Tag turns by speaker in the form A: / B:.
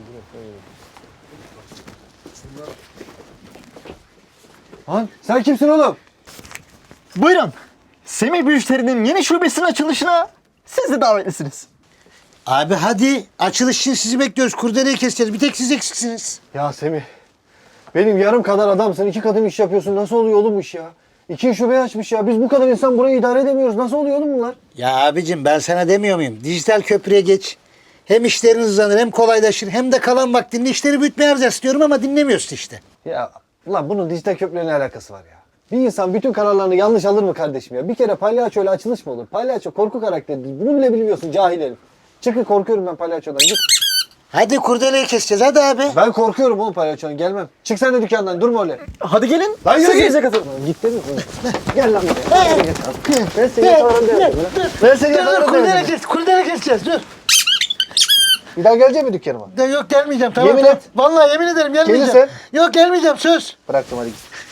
A: Lan sen kimsin oğlum?
B: Buyurun. Semih Müşteri'nin yeni şubesinin açılışına siz de davetlisiniz.
C: Abi hadi açılış için sizi bekliyoruz. Kurdeleyi keseceğiz. Bir tek siz eksiksiniz.
A: Ya Semih. Benim yarım kadar adamsın. 2 katım iş yapıyorsun. Nasıl oluyor oğlum bu iş ya? 2 şube açmış ya. Biz bu kadar insan burayı idare edemiyoruz. Nasıl oluyor oğlum bunlar?
C: Ya abicim ben sana demiyor muyum? Dijital köprüye geç. Hem işlerin hızlanır hem kolaylaşır hem de kalan vaktinde işleri büyütmeye harcarsın diyorum ama dinlemiyorsun işte.
A: Ya ulan bunun dijital köprüyle ne alakası var ya? Bir insan bütün kararlarını yanlış alır mı kardeşim ya? Bir kere palyaçoyla açılış mı olur? Palyaço korku karakteridir. Bunu bile bilmiyorsun cahil herif. Çıkın, korkuyorum ben palyaçodan. Git.
C: Hadi kurdeleyi keseceğiz hadi abi.
A: Ben korkuyorum oğlum palyaçodan. Gelmem. Çık sen de dükkandan. Durma öyle.
B: Hadi gelin.
A: Lan yürü
B: Siz
A: git.
B: bize katılın.
A: Git dedim. Gel lan buraya. Ben seni yakalarım demedim lan. Ben seni yakalarım demedim.
C: Kurdeleyi keseceğiz dur.
A: Bir daha gelecek mi dükkanıma?
C: Yok gelmeyeceğim tamam.
A: Yemin
C: tamam.
A: et.
C: Vallahi yemin ederim gelmeyeceğim.
A: Gelirsen?
C: Yok gelmeyeceğim söz.
A: Bıraktım hadi git.